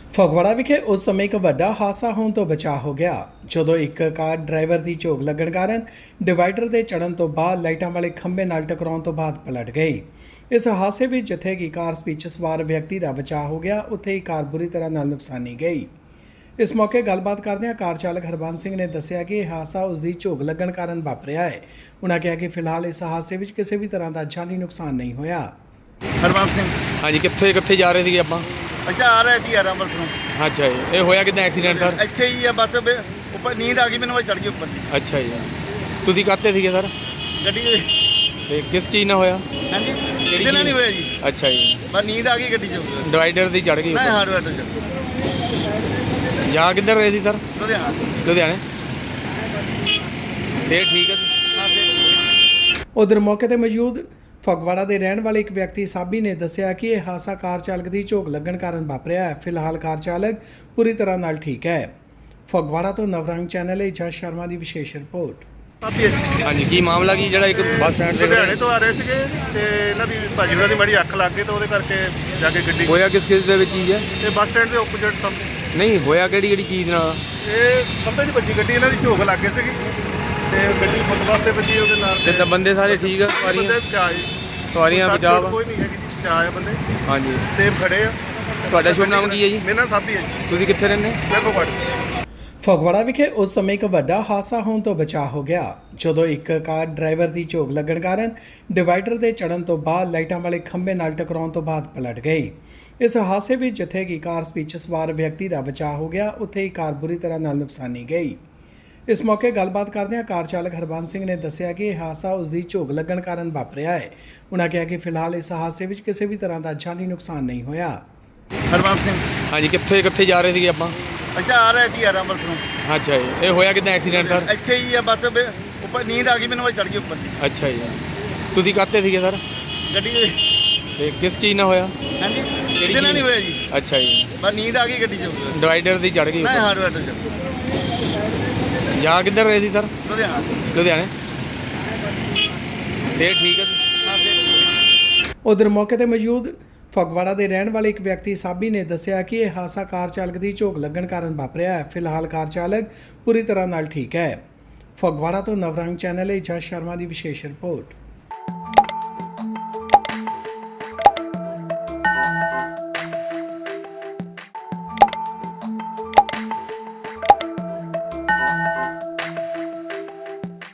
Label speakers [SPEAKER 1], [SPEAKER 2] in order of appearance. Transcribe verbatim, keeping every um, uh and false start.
[SPEAKER 1] ਫਗਵਾੜਾ ਵਿਖੇ ਉਸ ਸਮੇਂ ਇੱਕ ਵੱਡਾ ਹਾਦਸਾ ਹੋਣ ਤੋਂ ਬਚਾ ਹੋ ਗਿਆ ਜਦੋਂ ਇੱਕ ਕਾਰ ਡਰਾਈਵਰ ਦੀ ਝੋਕ ਲੱਗਣ ਕਾਰਨ ਡਿਵਾਈਡਰ ਦੇ ਚੜ੍ਹਨ ਤੋਂ ਬਾਅਦ ਲਾਈਟਾਂ ਵਾਲੇ ਖੰਭੇ ਨਾਲ ਟਕਰਾਉਣ ਤੋਂ ਬਾਅਦ ਪਲਟ ਗਈ। ਇਸ ਹਾਦਸੇ ਵਿੱਚ ਜਿੱਥੇ ਕਿ ਕਾਰ ਵਿੱਚ ਸਵਾਰ ਵਿਅਕਤੀ ਦਾ ਬਚਾਅ ਹੋ ਗਿਆ, ਉੱਥੇ ਹੀ ਕਾਰ ਬੁਰੀ ਤਰ੍ਹਾਂ ਨਾਲ ਨੁਕਸਾਨੀ ਗਈ। ਇਸ ਮੌਕੇ ਗੱਲਬਾਤ ਕਰਦਿਆਂ ਕਾਰ ਚਾਲਕ ਹਰਬੰਸ ਸਿੰਘ ਨੇ ਦੱਸਿਆ ਕਿ ਇਹ ਹਾਦਸਾ ਉਸ ਦੀ ਝੋਕ ਲੱਗਣ ਕਾਰਨ ਵਾਪਰਿਆ ਹੈ। ਉਨ੍ਹਾਂ ਕਿਹਾ ਕਿ ਫਿਲਹਾਲ ਇਸ ਹਾਦਸੇ ਵਿੱਚ ਕਿਸੇ ਵੀ ਤਰ੍ਹਾਂ ਦਾ ਜਾਨੀ ਨੁਕਸਾਨ ਨਹੀਂ ਹੋਇਆ।
[SPEAKER 2] ਹਰਬੰਸ ਸਿੰਘ
[SPEAKER 3] हाँ जी, कितने कितने जा रहे थे आप?
[SPEAKER 2] ਅੱਛਾ ਆ ਰਿਹਾ ਜੀ ਯਾਰ ਅੰਮ੍ਰਿਤਸਰੋਂ।
[SPEAKER 3] अच्छा जी, ये होया कितना एक्सीडेंट सर?
[SPEAKER 2] ਇੱਥੇ ਹੀ ਆ ਬਸ ਵੀ ਉੱਪਰ ਨੀਂਦ ਆ ਗਈ ਮੈਨੂੰ, ਮੈਂ ਚੜ ਗਈ ਉੱਪਰ
[SPEAKER 3] अच्छा जी, ਤੁਸੀਂ ਕਾਤੇ ਸੀਗੇ ਸਰ?
[SPEAKER 2] ਗੱਡੀ ਦੇ।
[SPEAKER 3] ਤੇ ਕਿਸ ਚੀਜ਼ ਨਾਲ ਹੋਇਆ?
[SPEAKER 2] ਹਾਂਜੀ ਇਹਦੇ ਨਾਲ ਨਹੀਂ ਹੋਇਆ ਜੀ,
[SPEAKER 3] ਅੱਛਾ ਜੀ,
[SPEAKER 2] ਬਸ ਨੀਂਦ ਆ ਗਈ ਗੱਡੀ 'ਚ।
[SPEAKER 3] ਡਿਵਾਈਡਰ ਦੀ ਚੜ ਗਈ
[SPEAKER 2] ਮੈਂ
[SPEAKER 3] ਉੱਪਰ।
[SPEAKER 2] ਹਾਰਡਵੇਅਰ ਤੋਂ ਚੱਲ
[SPEAKER 3] ਜਾ ਕਿੱਧਰ ਰਹੇ ਸੀ ਸਰ?
[SPEAKER 2] ਲੁਧਿਆਣਾ।
[SPEAKER 3] ਲੁਧਿਆਣੇ। ਫੇਰ ਠੀਕ ਹੈ ਜੀ।
[SPEAKER 2] ਹਾਂ ਫਿਰ
[SPEAKER 1] ਉਧਰ ਮੌਕੇ ਤੇ ਮੌਜੂਦ ਫਗਵਾੜਾ ਦੇ ਰਹਿਣ ਵਾਲੇ ਇੱਕ ਵਿਅਕਤੀ ਸਾਬੀ ਨੇ ਦੱਸਿਆ ਕਿ ਇਹ ਹਾਦਸਾ ਕਾਰ ਚਾਲਕ ਦੀ ਝੋਕ ਲੱਗਣ ਕਾਰਨ ਵਾਪਰਿਆ ਹੈ। ਫਿਲਹਾਲ ਕਾਰ ਚਾਲਕ ਪੂਰੀ ਤਰ੍ਹਾਂ ਨਾਲ ਠੀਕ ਹੈ। ਫਗਵਾੜਾ ਤੋਂ ਨਵਰੰਗ ਚੈਨਲ ਲਈ ਜਸ ਸ਼ਰਮਾ ਦੀ ਵਿਸ਼ੇਸ਼ ਰਿਪੋਰਟ।
[SPEAKER 2] ਆਪੀ
[SPEAKER 3] ਹਾਂਜੀ, ਕੀ ਮਾਮਲਾ ਕੀ ਜਿਹੜਾ ਇੱਕ ਬੱਸ ਸਟੈਂਡ ਤੇ
[SPEAKER 2] ਲੁਧਿਆਣੇ ਤੋਂ ਆ ਰਹੇ ਸੀਗੇ ਤੇ ਇਹਨਾਂ ਦੀ ਭਾਜੀ ਉਹਨਾਂ ਦੀ ਮਾੜੀ ਅੱਖ ਲੱਗ ਗਈ ਤੇ ਉਹਦੇ ਕਰਕੇ ਜਾ ਕੇ ਗੱਡੀ
[SPEAKER 3] ਹੋਇਆ ਕਿਸ ਕਿਸ ਦੇ ਵਿੱਚ ਚੀਜ਼ ਹੈ?
[SPEAKER 2] ਤੇ ਬੱਸ ਸਟੈਂਡ ਦੇ ਓਪੋਜ਼ਿਟ ਸਾਹਮਣੇ
[SPEAKER 3] ਨਹੀਂ ਹੋਇਆ ਕਿਹੜੀ ਕਿਹੜੀ ਚੀਜ਼ ਨਾਲ?
[SPEAKER 2] ਇਹ ਖੰਭੇ ਦੀ ਵੱਜੀ ਗੱਡੀ, ਇਹਨਾਂ ਦੀ ਝੋਕ ਲੱਗ ਗਈ ਸੀਗੀ ਤੇ ਗੱਡੀ ਫੁੱਟਪਾਥ ਤੇ ਵੱਜੀ ਉਹਦੇ ਨਾਲ।
[SPEAKER 3] ਤੇ ਤਾਂ ਬੰਦੇ ਸਾਰੇ ਠੀਕ ਆ? ਸਵਾਰੀਆਂ
[SPEAKER 2] ਬੰਦੇ ਬਚਾਅ ਜੀ,
[SPEAKER 3] ਸਵਾਰੀਆਂ
[SPEAKER 2] ਸੱਟ
[SPEAKER 3] ਬਚਾਅ ਵਾ?
[SPEAKER 2] ਕੋਈ ਨਹੀਂ ਹੈਗੀ ਜੀ, ਬਚਾਅ ਆ ਬੰਦੇ,
[SPEAKER 3] ਹਾਂਜੀ,
[SPEAKER 2] ਸੇਫ ਖੜੇ ਆ।
[SPEAKER 3] ਤੁਹਾਡਾ ਸ਼ੁਭ ਨਾਮ ਕੀ ਹੈ ਜੀ?
[SPEAKER 2] ਮੇਰਾ ਨਾਮ ਸਾਬੀ ਹੈ ਜੀ,
[SPEAKER 3] ਤੁਸੀਂ ਕਿੱਥੇ ਰਹਿੰਦੇ?
[SPEAKER 2] ਮੈਂ ਫਗਵਾੜਾ।
[SPEAKER 1] ਫਗਵਾੜਾ ਵਿਖੇ ਉਸ ਸਮੇਂ ਇੱਕ ਵੱਡਾ ਹਾਦਸਾ ਹੋਣ ਤੋਂ ਬਚਾ ਹੋ ਗਿਆ ਜਦੋਂ ਇੱਕ ਕਾਰ ਡਰਾਈਵਰ ਦੀ ਝੋਕ ਲੱਗਣ ਕਾਰਨ ਡਿਵਾਈਡਰ ਦੇ ਚੜ੍ਹਨ ਤੋਂ ਬਾਅਦ ਲਾਈਟਾਂ ਵਾਲੇ ਖੰਭੇ ਨਾਲ ਟਕਰਾਉਣ ਤੋਂ ਬਾਅਦ ਪਲਟ ਗਈ। ਇਸ ਹਾਦਸੇ ਵਿੱਚ ਜਿੱਥੇ ਕਿ ਕਾਰ ਵਿੱਚ ਸਵਾਰ ਵਿਅਕਤੀ ਦਾ ਬਚਾਅ ਹੋ ਗਿਆ, ਉੱਥੇ ਹੀ ਕਾਰ ਬੁਰੀ ਤਰ੍ਹਾਂ ਨਾਲ ਨੁਕਸਾਨੀ ਗਈ। ਇਸ ਮੌਕੇ ਗੱਲਬਾਤ ਕਰਦਿਆਂ ਕਾਰ ਚਾਲਕ ਹਰਬੰਸ ਸਿੰਘ ਨੇ ਦੱਸਿਆ ਕਿ ਇਹ ਹਾਦਸਾ ਉਸ ਦੀ ਝੋਕ ਲੱਗਣ ਕਾਰਨ ਵਾਪਰਿਆ ਹੈ। ਉਨ੍ਹਾਂ ਕਿਹਾ ਕਿ ਫਿਲਹਾਲ ਇਸ ਹਾਦਸੇ ਵਿੱਚ ਕਿਸੇ ਵੀ ਤਰ੍ਹਾਂ ਦਾ ਜਾਨੀ ਨੁਕਸਾਨ ਨਹੀਂ ਹੋਇਆ।
[SPEAKER 2] ਹਰਬੰਸ ਸਿੰਘ
[SPEAKER 3] ਹਾਂਜੀ, ਕਿੱਥੇ ਕਿੱਥੇ ਜਾ ਰਹੇ ਸੀਗੇ ਆਪਾਂ?
[SPEAKER 2] ਅੱਛਾ ਆ ਰਿਹਾ ਜੀ ਯਾਰ ਅੰਮ੍ਰਿਤਸਰੋਂ।
[SPEAKER 3] ਅੱਛਾ ਜੀ, ਇਹ ਹੋਇਆ ਕਿਦਾਂ ਐਕਸੀਡੈਂਟ ਸਰ?
[SPEAKER 2] ਇੱਥੇ ਹੀ ਆ ਬਸ ਵੀ ਉੱਪਰ ਨੀਂਦ ਆ ਗਈ ਮੈਨੂੰ, ਮੈਂ ਚੜ ਗਈ ਉੱਪਰ
[SPEAKER 3] ਅੱਛਾ ਜੀ, ਤੁਸੀਂ ਕਾਤੇ ਸੀਗੇ ਸਰ?
[SPEAKER 2] ਗੱਡੀ ਦੇ।
[SPEAKER 3] ਤੇ ਕਿਸ ਚੀਜ਼ ਨਾਲ ਹੋਇਆ?
[SPEAKER 2] ਹਾਂਜੀ ਇਹਦੇ ਨਾਲ ਨਹੀਂ ਹੋਇਆ ਜੀ,
[SPEAKER 3] ਅੱਛਾ ਜੀ,
[SPEAKER 2] ਬਸ ਨੀਂਦ ਆ ਗਈ ਗੱਡੀ 'ਚ।
[SPEAKER 3] ਡਿਵਾਈਡਰ ਦੀ ਚੜ ਗਈ
[SPEAKER 2] ਮੈਂ
[SPEAKER 3] ਉੱਪਰ।
[SPEAKER 2] ਹਾਰਡਵੇਅਰ ਤੋਂ ਚੱਲ
[SPEAKER 3] ਜਾ ਕਿੱਧਰ ਰਹੇ ਸੀ ਸਰ?
[SPEAKER 2] ਲੁਧਿਆਣਾ।
[SPEAKER 3] ਲੁਧਿਆਣੇ। ਫੇਰ ਠੀਕ ਹੈ ਜੀ।
[SPEAKER 2] ਹਾਂ ਫਿਰ
[SPEAKER 1] ਉਧਰ ਮੌਕੇ ਤੇ ਮੌਜੂਦ ਫਗਵਾੜਾ ਦੇ ਰਹਿਣ ਵਾਲੇ ਇੱਕ ਵਿਅਕਤੀ ਸਾਬੀ ਨੇ ਦੱਸਿਆ ਕਿ ਇਹ ਹਾਦਸਾ ਕਾਰ ਚਾਲਕ ਦੀ ਝੋਕ ਲੱਗਣ ਕਾਰਨ ਵਾਪਰਿਆ ਹੈ। ਫਿਲਹਾਲ ਕਾਰ ਚਾਲਕ ਪੂਰੀ ਤਰ੍ਹਾਂ ਨਾਲ ਠੀਕ ਹੈ। ਫਗਵਾੜਾ ਤੋਂ ਨਵਰੰਗ ਚੈਨਲ ਲਈ ਜਸ ਸ਼ਰਮਾ ਦੀ ਵਿਸ਼ੇਸ਼ ਰਿਪੋਰਟ।